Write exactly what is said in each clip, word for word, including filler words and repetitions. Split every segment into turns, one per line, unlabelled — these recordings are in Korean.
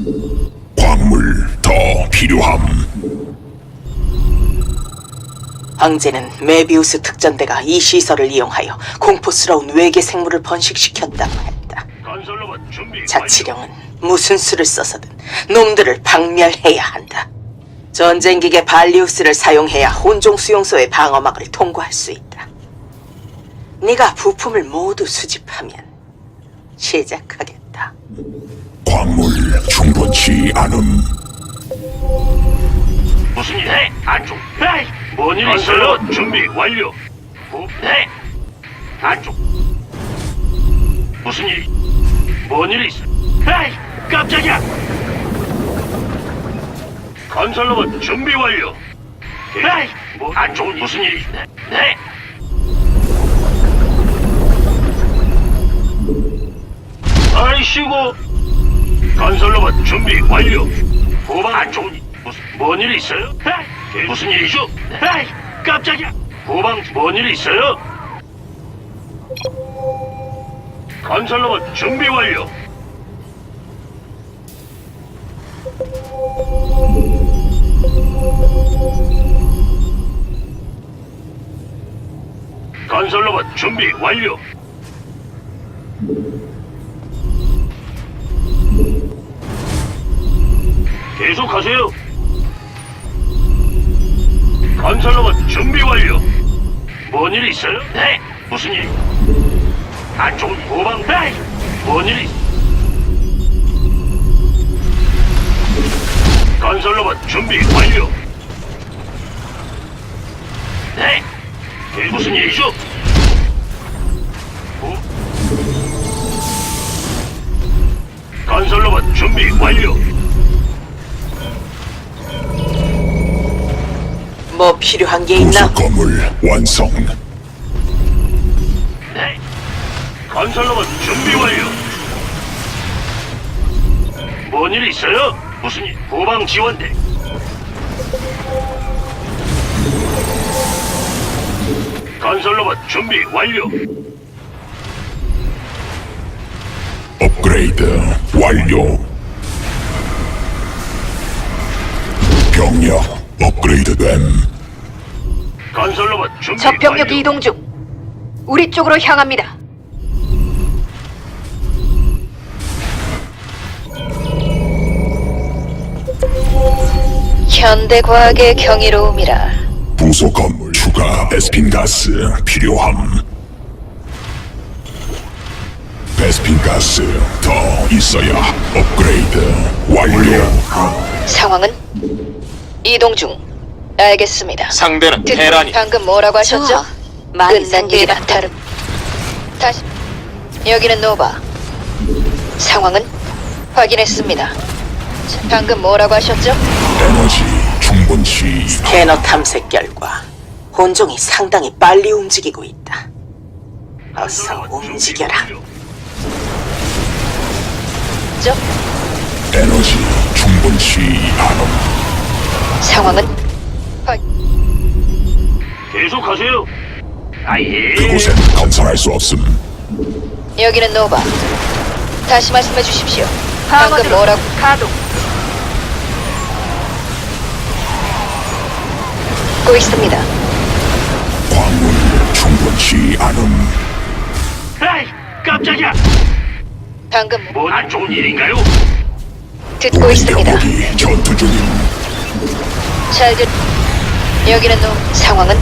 광물 더 필요함.
황제는 메비우스 특전대가 이 시설을 이용하여 공포스러운 외계 생물을 번식시켰다고 했다.
건설로봇 준비
자치령은 무슨 수를 써서든 놈들을 박멸해야 한다. 전쟁기계 발리우스를 사용해야 혼종 수용소의 방어막을 통과할 수 있다. 네가 부품을 모두 수집하면 시작하겠다.
광물 충분치 않음.
무슨 일 해? 안쪽. 에이, 뭔일 있어요? 준비 완료. 부, 네. 안쪽. 무슨 일? 뭔일 있어? 에이, 깜짝이야. 건설로봇 준비 완료. 에이, 뭐 안쪽 무슨 일이? 네. 네. 아이씨고. 건설로봇 준비 완료. 후방 안쪽 무슨 뭔 일 있어요? 에이, 무슨 일이죠? 에이, 깜짝이야. 후방 뭔 일 있어요? 건설로봇 준비 완료. 건설로봇 준비 완료. 계속하세요. 건설로봇 준비 완료. 뭔 일 있어요? 네. 무슨 일? 안쪽 후방. 에이, 뭔 일이? 건설로봇 준비 완료. 네. 그게 무슨 일이죠? 후. 건설로봇 준비 완료.
뭐 필요한 게 있나?
부속 건물 완성.
네. 건설로봇 준비 완료. 뭔 일 있어요? 무슨 일? 후방 지원대. 건설로봇 준비 완료.
업그레이드 완료. 병력 업그레이드됨.
건설로봇 준비
적 병력
완료.
이동 중. 우리 쪽으로 향합니다. 현대 과학의 경이로움이라.
부속 건물 추가 베스핀 가스 필요함. 베스핀 가스 더 있어야 업그레이드 완료.
상황은 이동 중. 알겠습니다.
상대는
듣-
테란이
방금 뭐라고 하셨죠? 끝난 일이라 다름. 다시 여기는 노바. 상황은 확인했습니다. 자, 방금 뭐라고 하셨죠?
에너지 충분치.
스캐너 탐색 결과 혼종이 상당히 빨리 움직이고 있다. 어서 움직여라.
죠?
에너지 충분치 않음.
상황은 확.
계속하세요. 아예.
그곳엔 건설할 수 없음.
여기는 노바. 다시 말씀해 주십시오. 방금 뭐라고? 가동. 듣고 있습니다.
광물 충분치 않음.
에이, 깜짝이야.
방금 뭐-
뭐 안 좋은 일인가요?
듣고
우리
있습니다.
병력이 전투 중임.
잘 듣. 여기는 노. 상황은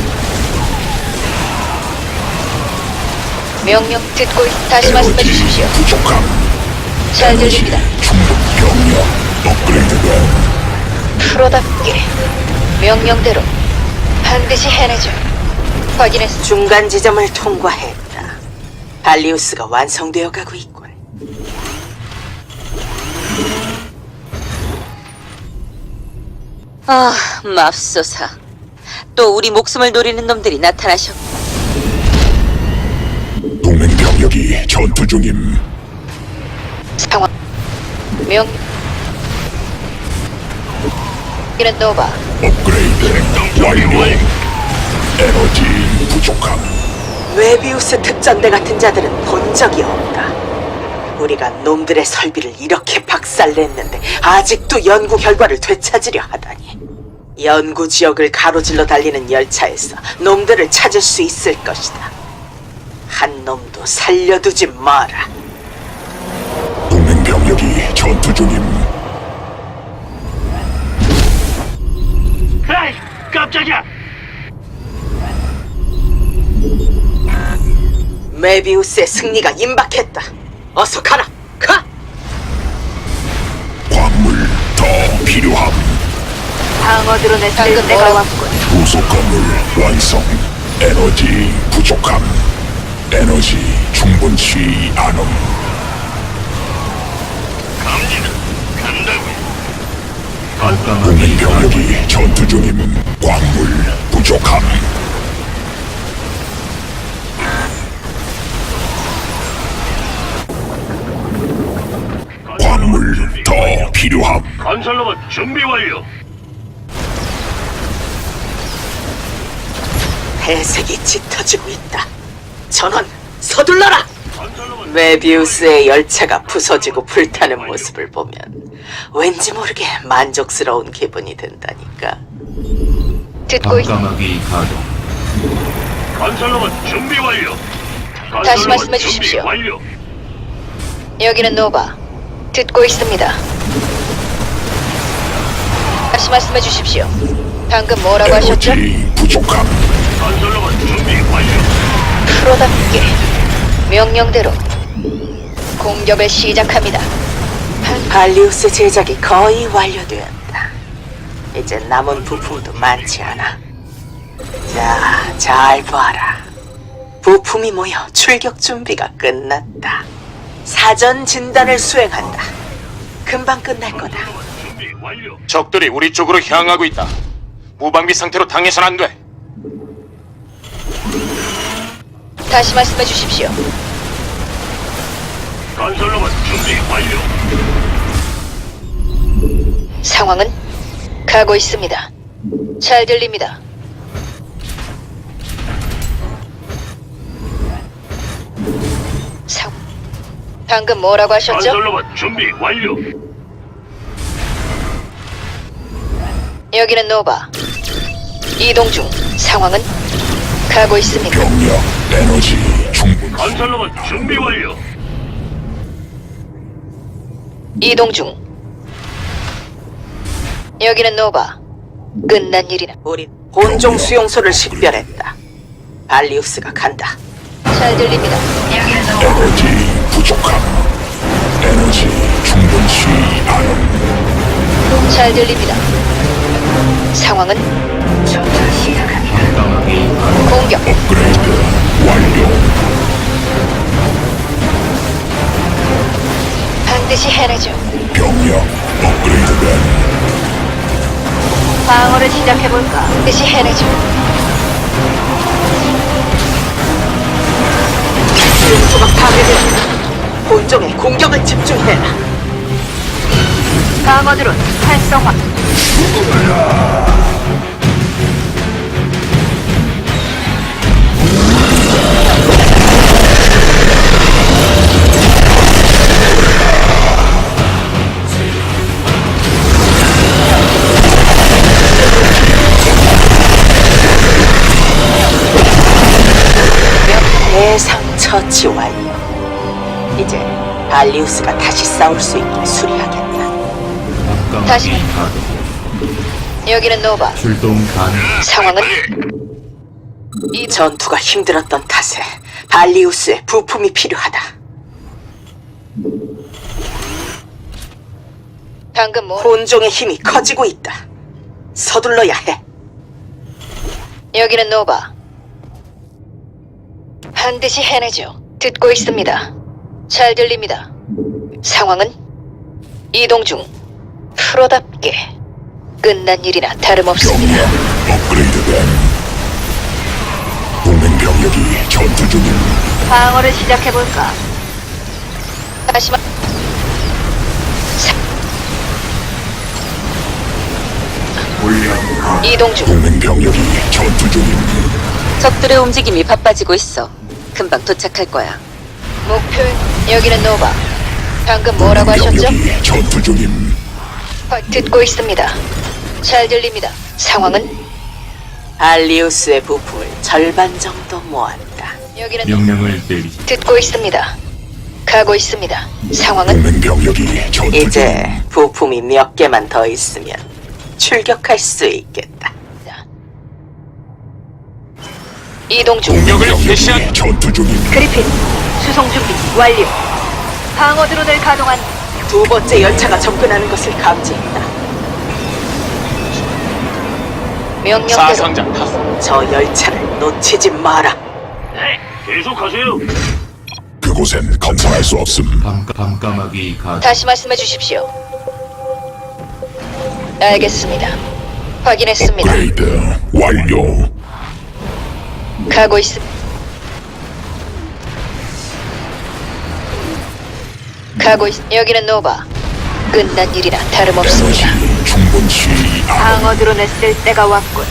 명령 듣고 있. 다시 말씀해
에너지
주십시오.
부족함.
잘
에너지
들립니다.
충분 병력 업그레이드됨.
프로답게 명령대로 반드시 해내죠. 확인했습니다.
중간 지점을 통과했다. 발리우스가 완성되어 가고 있군. 아, 맙소사. 또 우리 목숨을 노리는 놈들이 나타나셨고.
동맹 병력이 전투 중임.
상황 명 이는 노바.
업그레이드 완료. 에너지 부족함.
웨비우스 특전대 같은 자들은 본 적이 없다. 우리가 놈들의 설비를 이렇게 박살냈는데 아직도 연구 결과를 되찾으려 하다니. 연구 지역을 가로질러 달리는 열차에서 놈들을 찾을 수 있을 것이다. 한 놈도 살려두지 마라.
동맹 병력이 전투 중임.
에이, 깜짝이야.
메비우스의 승리가 임박했다. 어서 가라. 가!
광물 더 필요함.
방어드론의
방금
내가
뭐라고?
왔군.
부속 건물 완성. 에너지 부족함. 에너지 충분치 않음.
갑니다. 간다고요.
동맹 병력이 전투 중임. 광물 부족함. 광물 더 필요함.
건설로봇 준비 완료.
배색이 짙어지고 있다. 전원 서둘러라.
건설로봇
메비우스의 열차가 부서지고 불타는 모습을 보면 왠지 모르게 만족스러운 기분이 든다니까.
듣고 있...
밤까마귀 가동.
건설로봇 준비 완료.
다시
건설로봇
말씀해
준비
주십시오.
완료.
여기는 노바. 듣고 있습니다. 다시 말씀해 주십시오. 방금 뭐라고 하셨죠?
에너지 부족함.
건설로봇 준비 완료.
프로답게 명령대로 공격을 시작합니다.
발리우스 제작이 거의 완료되었다. 이제 남은 부품도 많지 않아. 자, 잘 봐라. 부품이 모여 출격 준비가 끝났다. 사전 진단을 수행한다. 금방 끝날 거다.
건설로봇 준비 완료.
적들이 우리 쪽으로 향하고 있다. 무방비 상태로 당해선 안 돼.
다시 말씀해 주십시오.
건설로봇 준비 완료.
상황은 가고 있습니다. 잘 들립니다. 상... 방금 뭐라고 하셨죠?
건설로봇 준비 완료.
여기는 노바. 이동 중. 상황은 가고 있습니다.
병력 에너지 충분.
건설로봇 준비 완료.
이동 중. 여기는 노바. 끝난 일이나.
우리 본종 수용소를 식별했다. 발리우스가 간다.
잘 들립니다.
에너지 부족함. 에너지 충분치 않음.
잘 들립니다. 상황은
밤까마귀 가동.
공격.
업그레이드 완료.
반드시 해내죠.
병력 업그레이드된.
방어를 시작해볼까? 반드시 해내죠.
수용소가 파괴됐다. 본종에 공격을 집중해라. 방어드론 활성화. 대상 처치 완료. 이제 발리우스가 다시 싸울 수 있게 수리하겠다.
다시.
밤까마귀 가동.
여기는 노바.
출동 가능.
상황은 이
전투가 힘들었던 탓에 발리우스의 부품이 필요하다.
방금 뭐?
본종의 힘이 커지고 있다. 서둘러야 해.
여기는 노바. 반드시 해내죠. 듣고 있습니다. 잘 들립니다. 상황은 이동 중. 프로답게 끝난 일이나 다름없습니다.
병력 업그레이드된. 동맹 병력이 전투 중임.
방어를 시작해볼까? 다시 말... 이동 중.
동맹 병력이 전투 중임.
적들의 움직임이 바빠지고 있어. 금방 도착할 거야.
목표 여기는 노바. 방금 뭐라고 하셨죠?
병력이 전투 중임.
아, 듣고 있습니다. 잘 들립니다. 상황은
발리우스의 부품을 절반 정도 모았다.
여기는
명령을 내리.
듣고 있습니다. 가고 있습니다. 상황은
동맹 병력이 전투 중.
이제 부품이 몇 개만 더 있으면 출격할 수 있겠다.
이동 중.
동맹
공격을 개시한-
병력이 전투 중임.
그리핀 수송 준비 완료. 방어 드론을 가동한
두 번째 열차가 접근하는 것을 감지했다.
명령대로
사상자 탑.
저 열차를 놓치지 마라.
네, 계속하세요.
그곳엔 건설할 수 없음.
밤, 밤까마귀 가동.
다시 말씀해 주십시오. 알겠습니다. 확인했습니다.
업그레이드 완료.
가고 있습니다. 가고 있. 여기는 노바. 끝난 일이나
에너지
다름없습니다.
충분치 않음.
방어 드론을 쓸 때가 왔군.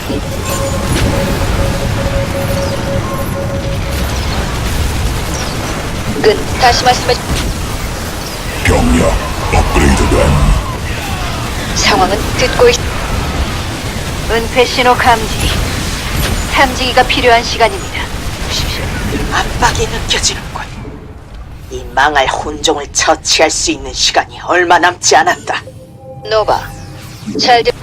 끝. 다시 말씀해 주.
병력 업그레이드됨.
상황은 듣고 있. 은폐 신호 감지. 탐지기가 필요한 시간입니다. 보십시오.
압박이 느껴지는군. 이 망할 혼종을 처치할 수 있는 시간이 얼마 남지 않았다.
노바. 잘 들.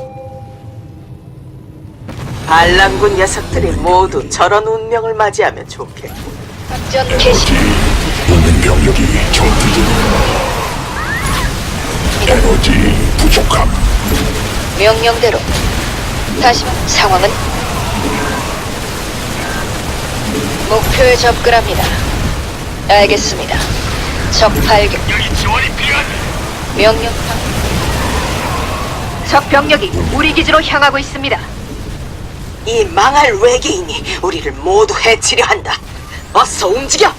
반란군 녀석들이 모두 저런 운명을 맞이하면 좋겠다.
작전 개시.
동맹 병력이 전투 중. 에너지 부족함.
명령대로. 다시 말- 상황은 목표에 접근합니다. 알겠습니다. 적 발견.
여기 지원이 필요하다.
명령. 적 병력이 우리 기지로 향하고 있습니다.
이 망할 외계인이 우리를 모두 해치려 한다. 어서 움직여!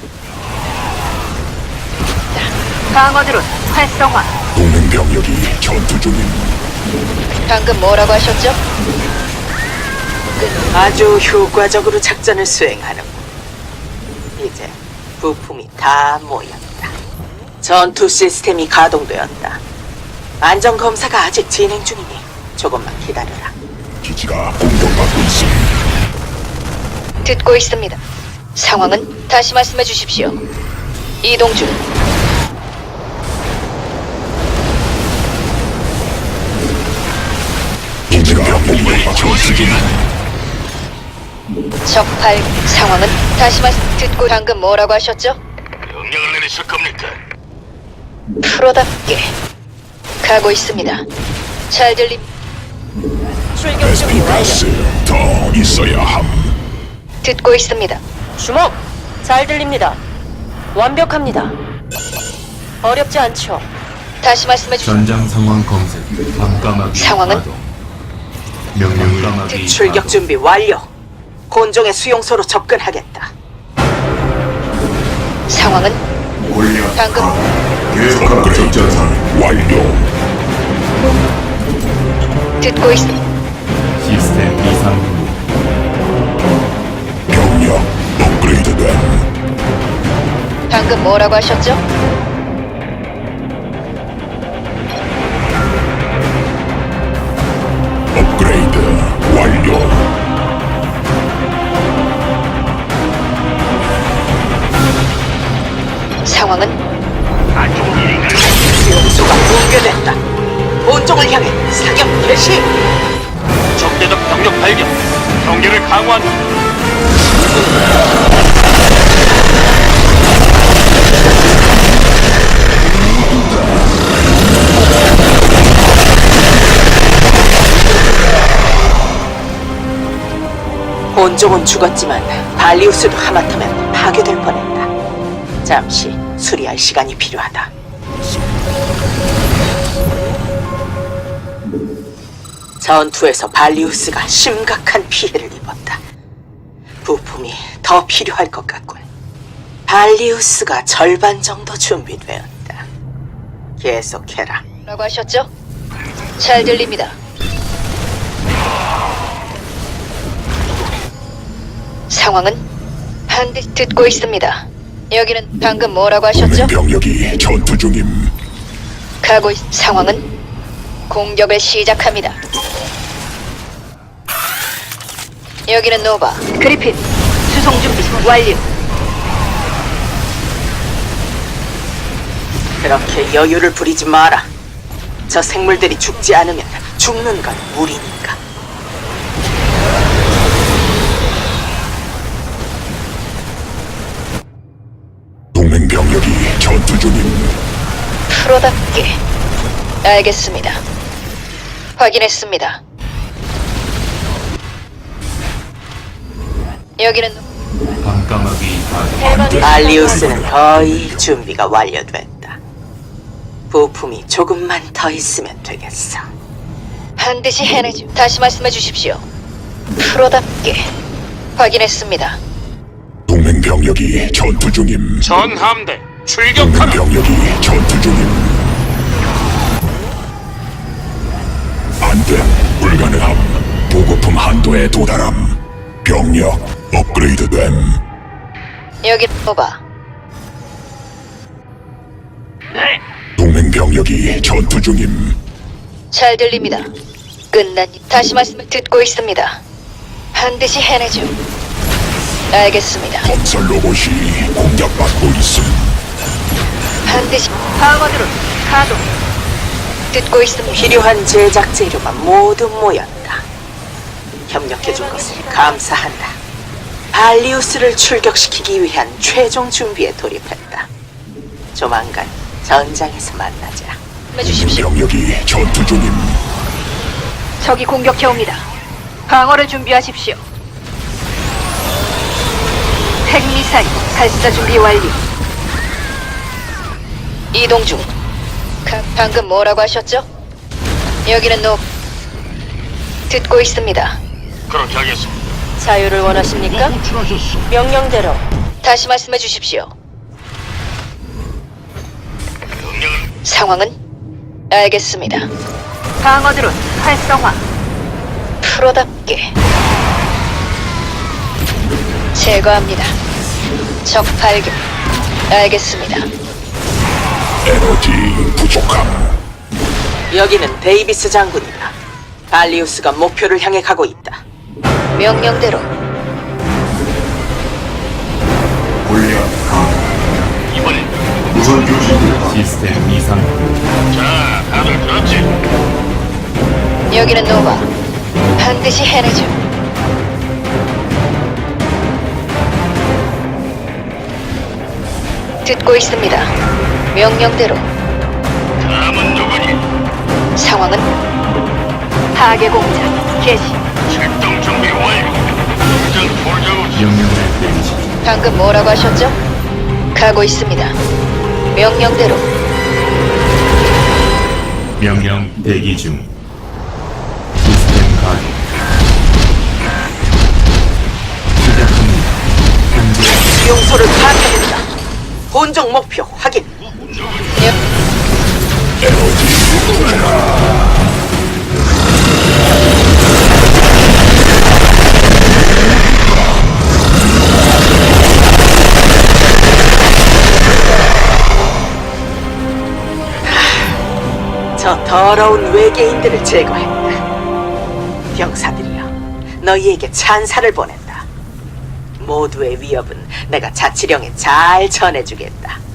방어드론 활성화.
동맹 병력이 전투 중임.
방금 뭐라고 하셨죠?
아주 효과적으로 작전을 수행하는. 이제 부품이 다 모였다. 전투 시스템이 가동되었다. 안전 검사가 아직 진행 중이니 조금만 기다려라.
기지가 공격받고 있음.
듣고 있습니다. 상황은 다시 말씀해 주십시오. 이동 중.
기지가 병력이 전투 중.
적 발. 상황은 다시 말씀. 듣고 방금 뭐라고 하셨죠?
명령을 내리실 겁니까?
프로답게 가고 있습니다. 잘 들림.
에스피 가스 더 있어야 함.
듣고 있습니다.
주목! 잘 들립니다. 완벽합니다. 어렵지 않죠?
다시 말씀해 주십시오.
전장 상황 검색. 밤까마귀
상황은?
가동. 명령을 까마귀
출격
가동.
준비 완료. 곤종의 수용소로 접근하겠다.
상황은 방금
업그레이드 완료.
듣고 있습니다.
시스템 이상 후.
병력 업그레이드됨.
방금 뭐라고 하셨죠?
업그레이드 완료.
상황은
안 좋은 일인가요?
수용소가 붕괴됐다. 곤종을 향해 사격 개시!
적대적 병력 발견. 경계를 강화한다.
곤종은 죽었지만 발리우스도 하마터면 파괴될 뻔했다. 잠시 수리할 시간이 필요하다. 전투에서 발리우스가 심각한 피해를 입었다. 부품이 더 필요할 것 같군. 발리우스가 절반 정도 준비되었다. 계속해라.
뭐라고 하셨죠? 잘 들립니다. 상황은 반드시 듣고 있습니다. 여기는 방금 뭐라고
동맹
하셨죠?
병력이 전투 중임.
가고 있... 상황은 공격을 시작합니다. 여기는 노바. 그리핀, 수송 준비 완료.
그렇게 여유를 부리지 마라. 저 생물들이 죽지 않으면 죽는 건 우리니까.
동맹 병력이 전투 중임.
프로답게. 알겠습니다. 확인했습니다. 여기는
밤까마귀 가동.
발리우스는 거의 준비가 완료됐다. 부품이 조금만 더 있으면 되겠어.
반드시 해내죠. 다시 말씀해 주십시오. 프로답게. 확인했습니다.
동맹 병력이 전투 중임.
전함대
동맹
출격하라.
병력이 전투 중임. 안돼. 불가능함. 보급품 한도에 도달함. 병력 업그레이드됨.
여기 노바.
네.
동맹 병력이 전투 중임.
잘 들립니다. 끝난 일. 다시 말씀을 듣고 있습니다. 반드시 해내죠. 알겠습니다.
건설 로봇이 공격받고 있음.
반드시 방어드론 가동. 듣고 있습니다.
필요한 제작 재료가 모두 모였다. 협력해준 것을 감사한다. 발리우스를 출격시키기 위한 최종 준비에 돌입했다. 조만간 전장에서 만나자.
말씀해 주십시오.
병력이 전투 중임.
적이 공격해옵니다. 방어를 준비하십시오. 핵미사일 발사 준비 완료. 이동 중. 가, 방금 뭐라고 하셨죠? 여기는 노. 듣고 있습니다.
그렇게 하겠습니다.
자유를 원하십니까?
호출하셨어.
명령대로.
다시 말씀해 주십시오.
명령은
상황은? 알겠습니다. 방어드론 활성화. 프로답게. 제거합니다. 적 발견. 알겠습니다.
에너지 부족함.
여기는 데이비스 장군이다. 발리우스가 목표를 향해 가고 있다.
명령대로.
이번엔
시스템 이상 후.
자, 다들 들었지?
여기는 노바. 반드시 해내죠. 듣고 있습니다. 명령대로.
다음은 누구니?
상황은? 파괴 공작 개시.
출동 준비 완료. 당장 돌자고
명령을 내리십시오.
방금 뭐라고 하셨죠? 가고 있습니다. 명령대로.
명령 대기 중. 시스템 가동. 시작합니다. 현재
수용소를 파악해본다. 본종 목표 확인.
여,
저 더러운 외계인들을 제거했다. 병사들이여, 너희에게 찬사를 보낸다. 모두의 위협은 내가 자치령에 잘 전해주겠다.